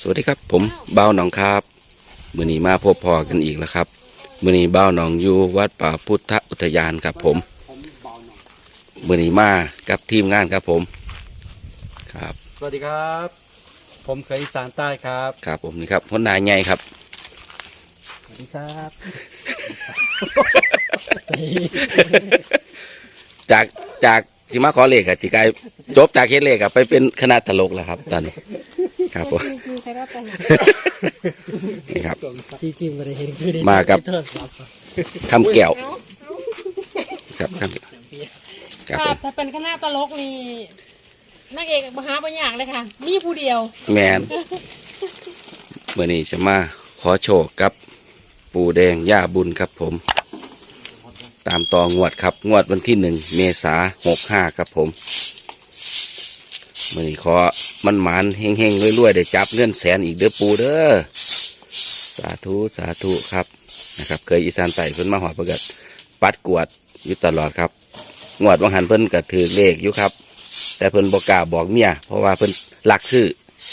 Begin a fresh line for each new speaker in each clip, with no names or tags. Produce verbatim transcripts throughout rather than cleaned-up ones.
สวัสดีครับผมเบ้าหนองครับมื้อนี้มาพบพอกันอีกแล้วครับมื้อนี้เบ้าหนองอยู่วัดป่าพุทธอุทยานครับผมมื้อนี้มากับทีมงานครับผมครับ
สวัสดีครับผมเคยอีสานใต้ครับ
ครับผมนี่ครับพลนายใหญ่ครับ
สวัสดีครับ
จากจากสิมาขอเลขกับสิกายจบจากเฮ็ดเลขกับไปเป็นคณะตลกแล้วครับตอนนี้ครับผมนี่ครับมากับคำแก้วครับคำครับผม
ถ้าเป็นคณะตลกนี่นางเอกมหาปัญญาเลยค่ะมีผู้เดียว
แมนเมื่อนี้จะมาขอโชคกับปู่แดงย่าบุญครับผมตามต่องวดครับงวดวันที่หนึ่งเมษาหกห้าครับผมเมื่อนี้ขอมันหมานเฮงเฮงรวยๆได้จับเงินแสนอีกเด้อปู่เด้อสาธุสาธุครับนะครับเคยอีสานใต้เพิ่นมาหอประกาศปัดกวดอยู่ตลอดครับงวดวังหันเพิ่นก็ถือเลขอยู่ครับแต่เพิ่นบอกกล้าบอกเมียเพราะว่าเพิ่นลักซื้อ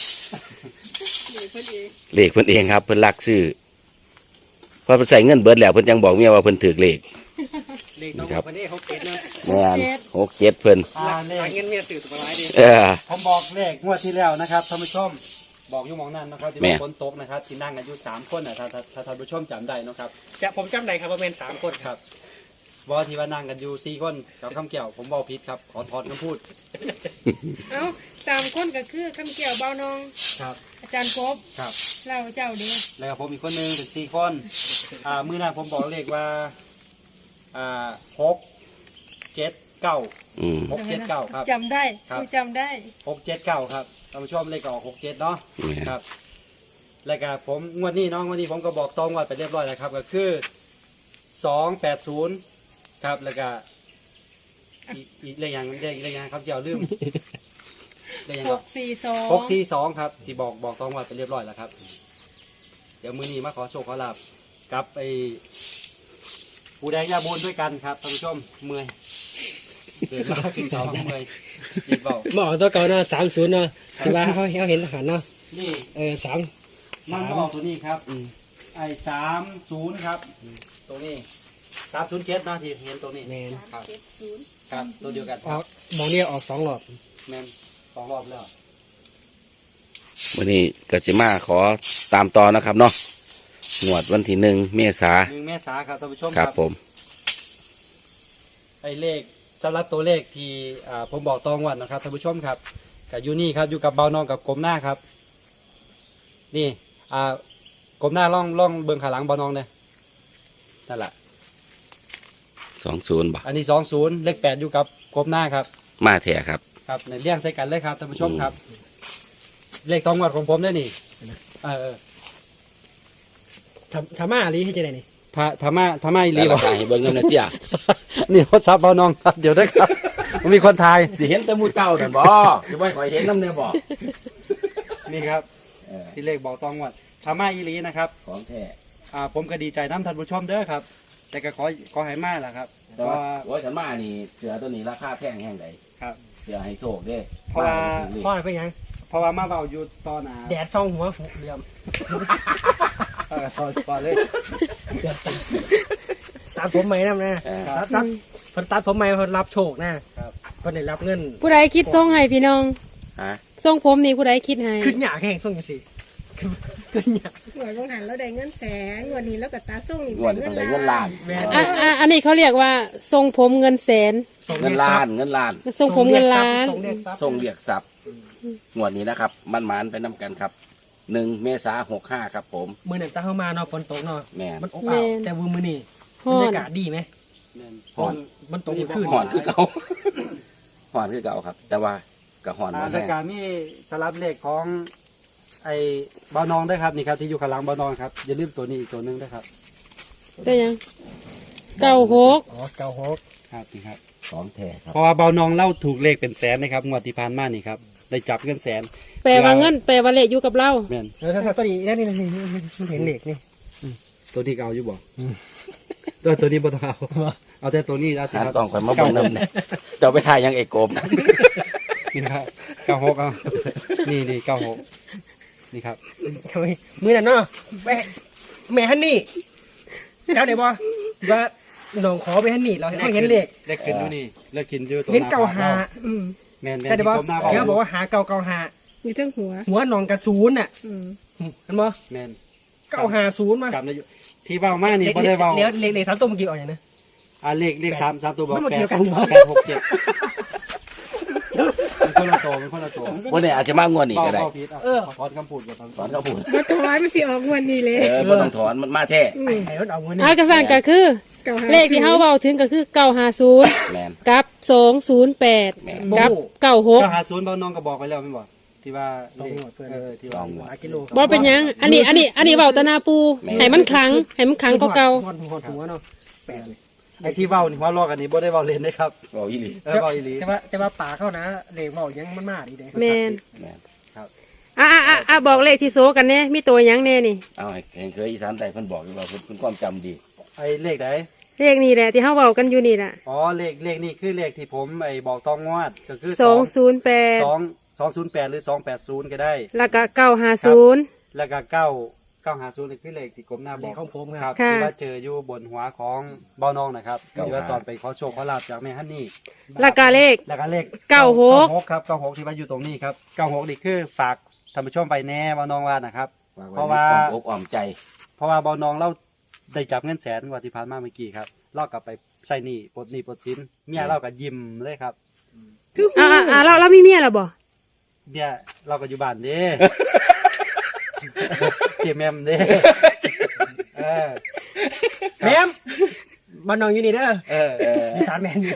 เลขเพิ่นเองครับเพิ่นลักซื้อพอเพิ่นใส่เงินเบิดแล้วเพิ่นยังบอกเมียว่าเพิ่นถือเลขนี่ครับแม่นหกเจ็ดเพิ่น
เงินเมียสื่อตัวร้ายดี
เออ
ผมบอกเลขงวดที่แล้วนะครับท่านผู้ชมบอกอยู่มองนั่นนะครับที่ฝนตกนะครับที่นั่งกันอยู่สามคนนะถ้าถ้าถ้าท่านผู้ชมจำได้นะครับจะผมจำได้ครับว่าเป็นสามคนครับว่าที่ว่านั่งกันอยู่สี่คนกับคำเกี่ยวผมบอกผิดครับขอถอนคำพูด
เอ้าสามคนก็คือคำเกี่ยวเบานอง
ครับ
อาจารย์พบ
ครับ
เราเจ้าเดียว
แล้วผมอีกคนนึงเป็นสี่คนอ่ามือหน้าผมบอกเลขว่าอ่าหกเจ็ดเก้าหกเจ็ดเก้าครับ
จำได้กูจำได้
หกเจ็ดเก้าครับท่านผู้ชมเลขออกหกเจ็ดเนาะครับแล้วก็ผมงวดนี้น้องงวดนี้ผมก็บอกตรงว่าไปเรียบร้อยแล้วครับก็คือสองแปดศูนย์ครับแล้วก็อีกอีกเลขอย่างเลขเลขอย่างครับเจ้าลืมเลขอย่าง
หกสี่สอง
หกสี่สองครับที่บอกบอกตรงว่าไปเรียบร้อยแล้วครับเดี๋ยวมือนี้มาขอโชคขอลาบกับไอ้ปูแดงยาบุญด้วยกันครับท่านผู้ชมเมื่อยเดินมาขึ้นเขาเมื่อยจีบเบา
หมอตัวเก่าเนาะสามศูนย์เนาะที่ว่าเขาเขาเห็นทหารเนาะ
นี่
เออสาม
นั่งบอกตัวนี้ครับไอ้สามศูนย์ครับตัวนี้สามศูนย์เจ็ดนะที่เห็นตัวนี้
แมน
ครับครับตัวเดียวกัน
ออกหมองเนี่ยออกสองรอบ
แมนสองรอบแล้ว
วันนี้ก็สิมาขอตามต่อนะครับเนาะงวดวันที่หนึ่งเมษา
หนึ่งเมษาครับท่านผู้ชม
ครับผม
ไอ้เลขสำหรับตัวเลขที่อ่าผมบอกตองวันนะครับท่านผู้ชมครับกับยูนี่ครับอยู่กับเบานองกับกลมหน้าครับนี่อ่ากลมหน้าล่องล่องเบื้องขาหลังเบานองเนี่ยนั่นแหละ
สองศูนย์บ่
อันนี้สองศูนย์เลขแปดอยู่กับกลมหน้าครับ
มาแท้ครับ
ครับในเลี้ยงใส่กันเลยครับท่านผู้ชมครับ เลขตองวันของผมได้นี่เออ
ทำทำมาลีให้เจะได้นี่
พระธรรมะธรรมะอีหลี
แล้ว
บ
ก็
อก
ให้เบิ่งเงินนะเตี้ย
นี่โทรศัพท์เบานองครับเดี๋ยวได้ครับมันมีคนทาย
สิเห็นแต่หมูเจ้านั่นบ่จะบ่ค่อยเห็นนำแน่บ่
นี่ครับ
เออ
ที่เลขบอกตองวันธรรมะอีหลีนะครับ
ของแท้
อ่าผมก็ดีใจน้ำท่านผู้ชมเด้อครับ แต่ก็ขอขอให้มาแหละครับเพ
แต่
ราะ
ว่า
ว่า
โอ้ยฉันมานี่เสือตัวนี้ราคาแพงแห่งใด
ครับ
เสือให้โชคเด้
เพราะว่า
พ่อเป็นยัง
เพราะว่ามาเบาอยู่ตอนอ่า
แดดส่องหัวฝูเหลี่ยม
เออตอนตอนเลย
ตัดผมใหม่นะนะ
เออ
ตัดตัดเพิ่นตัดผมใหม่เพิ่นรับโชคนะครับ เพิ่นได้รับเงิน
ผู้ใดคิดส่งให้พี่น้อง
ฮะ
ส่งผมนี่ผู้ใดคิดให้
ขึ้นหยาแห้งส่งจังซี่ขึ้นหยา
หน่วยบางหันเราได้เงินแสนงวดนี้แล้วก็ตาส่งนี่
งวดต้องได้เงินล้าน
แม่
อ่ะอ่ะอันนี้เขาเรียกว่าทรงผมเงินแสน
ส่
เงินล้านเงินล้าน
ทรงผมเงินล้าน
ส่งเรียกทรัพย์
ส่งเรียกทรัพย์งวดนี้นะครับมันหมานไปนํกันครับหนึ่งเมษาหกห้าครับผม
มื้อนั้นตาเข้ามาเนาะฝนตกเนาะ
แม่น
มันอบอ้าวแต่ว่ามื้อนี้
ฮ้
บร
อ
ร
น
ยากาศดีไหม
แม่น
ฮ้อน
มันตกเมื่อคืน
หอนคือเก่า หอนคือเก่าครับ แต่ว่าก็หอน
อ่า
มา
รา
แน่
ยการมีสลับเลขของไอ้เบานองด้วยครับนี่ครับที่อยู่ข้างหลังเบานองครับอย่าลืมตัวนี้อีกตัวหนึงด้วยครับ
ได้ยังเก้าหก
อ๋อเก้าหก
ครับนี่ครับ
ของแท้ครับ
เพราะว่าเบานองเล่าถูกเลขเป็นแสนนะครับงวดที่ผ่านมานี่ครับได้จับเงินแสน
แปลว่าเงินแปลว่าเลขอยู่กับเรา
แม่น
แล้วถ้าตัวนี้นี่นี่นี่นี่มันเห็นเหล็กนี่
ตัวที่เก่าอยู่บ่
อืม
ตัวตัวนี้บ่ต้องเอาเอาแต่ตัวนี้แล้วสิ
หา
ครับ
ต้องคอยมาเบนน้ำเนี่ยเจ้าไปทายยังเอกโกบนะ
นี่ครับเก้าหกเอานี่นี่เก้าหกนี่ครับ
ทำไมมือนั่นเนาะแม่แม่ฮันนี่เจ้าเดี๋ยวบอว่าน้องขอไปฮันนี่เราเห็นเลข
เลขขึ้นอยู่นี่เลขขึ้นอยู่ตัว
เห็นเก่าหา
อืม
แม่นแม่น
แต่เดี๋ยวบอ
ที่ก้มหน้า
เดี๋ยวบอก
เบา
ว่าหาเก่าเก่าหา
อยู่เทั้งหัว
หัวหนองกระศูนย์น่ะ
อืม
เห็นบ่
แม่น
เก่าหาศูนย์มา
จำได้อยู่ที่เบามานี่บ่ได้เบา
เลี้ยวเลขเลขสามตัวเมื่อกี้ออกอย่างนะ
อ่าเลขเลขสามสามตัวบอก
มันมา
แป
เกี่
ด
ยวกันอยู่
แปดหกเจ็ดเป็นคนละตัวเป็นคนละตัว
วันนี้อาจจะมางวดนี้
เบา
ก็ได้
เบาผิดอ่ะ
เออ
ขอถอนคำพูดกับทาง
ถอนเขาพูด
มาถอยมันสิออกงวันนี้เลย
เออบ่ต้องถอนมันมาแท้
อื
ไอ้
ม
ไอ้รถเอาเงินนี่
อากระสันก็คือ
เก่าหา
เลขที่เฮาเว้าถึงก็คือเก้าห้าศูนย์
แมน
กับสองศูนย์แปด
แม่น
กับเก้าหก
เก้าหาศูนย์เบาน้องก็บอกไปแล้วไม่บอกที่ว่า
ต้องหมดเพื่อน
เออที่ว่า
ต้องหมด
หากิโล
บ่เป็นหยัง อันนี้อันนี้อันนี้เว้าแตะนาปูให้มันคลังให้มันคลังก็เก่า
หอดหัวหัวเนาะแปดเลย
ไอ้ที่เบานี่ว่าลอกอันนี้บ่ได้เบาเล่นนะครับ
บอกอีหลี
เออเบาอีหลี
แต่ว่าแต่ว่าป่าเข้านะเลขบอกยังมันมากดีเด้
แม่น
แมน
อ่ะอ่ะอ่ะอ่ะบอกเลขที่โซกันแน่มีตัวหยังแน่นี่
เอาให้เห็นเคยอีสานใต้เพิ่นบอกอยู่ว่าเพิ่นเพิ่นความจำดี
ไอ้เลขไหน
เลขนี้แหละที่เฮาเว้ากันอยู่นี่ล่ะ
อ๋อเลขเลขนี่คือเลขที่ผมไอ้บอกตองงวดก็คือ
สองศูนย์แปด
สองสองศูนย์แปดหรือสองแปดศูนย์ก็ได้
แล้วก็เก้าห้าศูนย์
แล้วก็เก้าเก้าหาศูนย์นี่คือเลขที่กรมหน้าบ
เล
อ
ข
ก
ของผมค
ค
รั
รั
บบ
ค่ะ
ที่ว่าเจออยู่บนหัวของเบาน้องนะครับที่ว่าตอนไปขอโชคขอลาบจากแม่ฮันนี่
แล้วก็เลข
แล้วก็เลข
เก้าหก
ครับเก้าหกที่ว่าอยู่ตรงนี้ครับเก้าหกนี่คือฝากท่านผู้ชมไปแน่เบาน้องว่านะครับ เพราะว่า
ความอกอ่อมใจ
เพราะว่าเบาน้องเราได้จับเงินแสนกว่าที่ผ่านมาเมื่อกี้ครับเล่ากลับไปใส่หนี้ปลดหนี้ปลดสินเมียเราก็ยิ้มเลยครับ
คือ
อ่ะอ่ะอ่ะเราเรามีเมียแล้วบ่
เมียเราก็อยู่บ้านเด้ เจแมมเด้เออ
แม่มบ้านน้องอยู่นี่เด้อ
เออ
เออ
มีสารแมนอยู่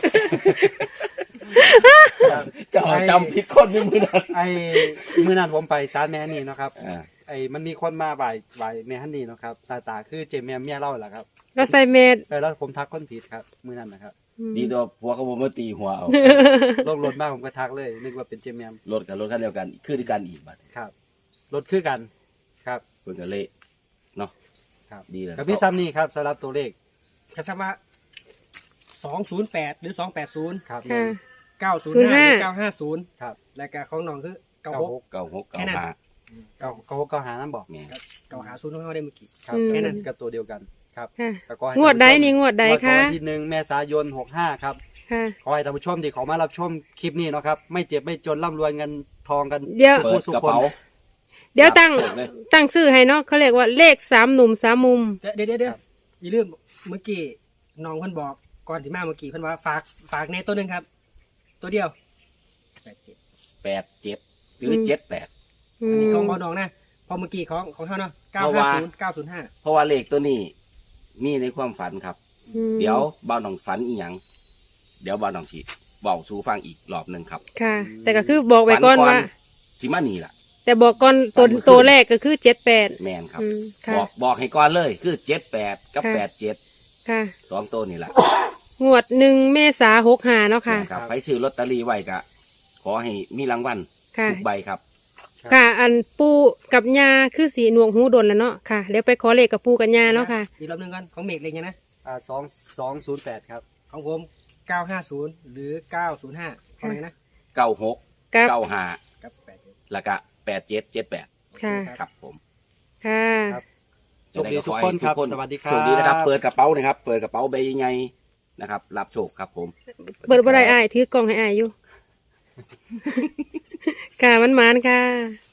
เจะจำผิดคนในมือนั้น
ไอ้มื้อนั้นผมไปศาลแม่ฮันนี่เนาะครับ
อ่า
ไอ้มันมีคนมาบ่ายบ่ายแม่ฮันนี่เนาะครับตาตาคือเจแมมเมียเราแหละครับ
เราใส่เมด
เออแล้วผมทักคนผิดครับมื้อนั้นนะครับ
ดีตัวผัวเขาบ่มาตีหัวเอา
รถรถมากผมก็ทักเลยนึกว่าเป็นเจแมม
รถกับรถคันเดียวกันคือด้วยกันอีกบัด
ครับรถคือกันครับ
เพิ่นก็เละเนาะ
ครับ
ดีเลย
กับพี่ซ้ำนี่ครับสำหรับตัวเลข
กระทำว่าสองศูนย์แปดหรือสองแปดศูนย์
ครับ
ค่ะ
เก้าศูนย์ห้าหรือเก้าห้าศูนย์
ครับ
และก็ของน้องคือเก้า
เก้า
ห
ห
ก
ก
เก้าหก
แค่
เก้า
นั้น
ห้า
เก้าเก้าหกเก้าหานั่นบอก
แม่น
เก้าหาศูนย์ของเขาได้เมื่อกี้
ครับ
อืม
แค่นั้นก็ตัวเดียวกันครับ
ค่ะ
ก็ขอให้
งวดใด
ท่าผู้ชม
นี่งวดใด
งว
คะ
วันที่หนึ่งเมษายนหกห้าครับ
ค่ะ
ขอให้ท่านผู้ชมที่เขามารับชมคลิปนี้เนาะครับไม่เจ็บไม่จนร่ำรวยเงินทองกัน
เดี๋ยว
เปิดกระเป๋า
เดี๋ยวตั้ง
จับเลย
ตั้งชื่อให้เนาะเขาเรียกว่าเลขสามหนุ่มสามมุม
เดี๋ยวเดี๋ยวเดี๋ยวอย่าลืมเมื่อกี้น้องเพิ่นบอกก่อนสิมาเมื่อกี้เพิ่นว่าฝากฝากในตัวหนึ่งครับ ตัวเดียวแปดเจ็ด
แปดเจ็ดหรือเจ็ดแปด
อื
อันนี้
ม
ของบอน้องนะพอเมื่อกี้ของของเขาเนาะเก้า
เพราะ
ห้า
ว่า
ศูนย์เก้าศูนย์ห้า
เพราะว่าเลขตัวนี้มีในความฝันครับ
อืม
เดี๋ยวบ่าวหนองฝันอีหยังเดี๋ยวบ่าวหนองสิบอกสู่ฟังอีกรอบหนึ่งครับ
ค่ะ แต่ก็คือบอกไว้ก่อนว่า
สิมานี่ล่ะ
แต่บอกก่อนตัว
ฝันเมื่อคืน
ตัวแรกก็คือเจ็ดแปด
แมนครับ
อืมค่ะ
บอกบอกให้ก่อนเลยคือเจ็ดแปดกับ
ค่ะ
แปดเจ็ด
ค่ะ
สองตัวนี่แหละ
งวดหนึ่งเมษาหกหาเนาะค่ะ
นะครับไปซื้อลอตเตอรี่ไว้กะขอให้มีรางวัล
ค่ะ
ทุกใบครับ
ค่ะ อันปูกับยาคือสีหนวงหูดนแล้วเนาะค่ะเดี๋ยวไปขอเลขกับปูกับยาเนาะค่ะ
อีกรอบหนึงก่อนของเมกเล็กยังนะ
อ่าสองสองศูนย์แปดครับ
ของผมเก้าห้าศูนย์หรือเก้าศูนย์ห้าของอะไรนะ
เก้าหก
กับ
เก้าห้า
กับแปดเจ็ด
แล้วก็แปดเจ็ดเจ็ดแปด
ค่ะ
ครับผม
ค่ะ
ครับ โชคดีทุกคนครับสวัสดีครับ
โชคดีนะครับ เปิดกระเป๋านะครับ เปิดกระเป๋าใบใหญ่ๆนะครับ รับโชคครับผม
เปิดบ่ได้อายถือกล่องให้อายอยู่ ค่ะมันมานๆค่ะ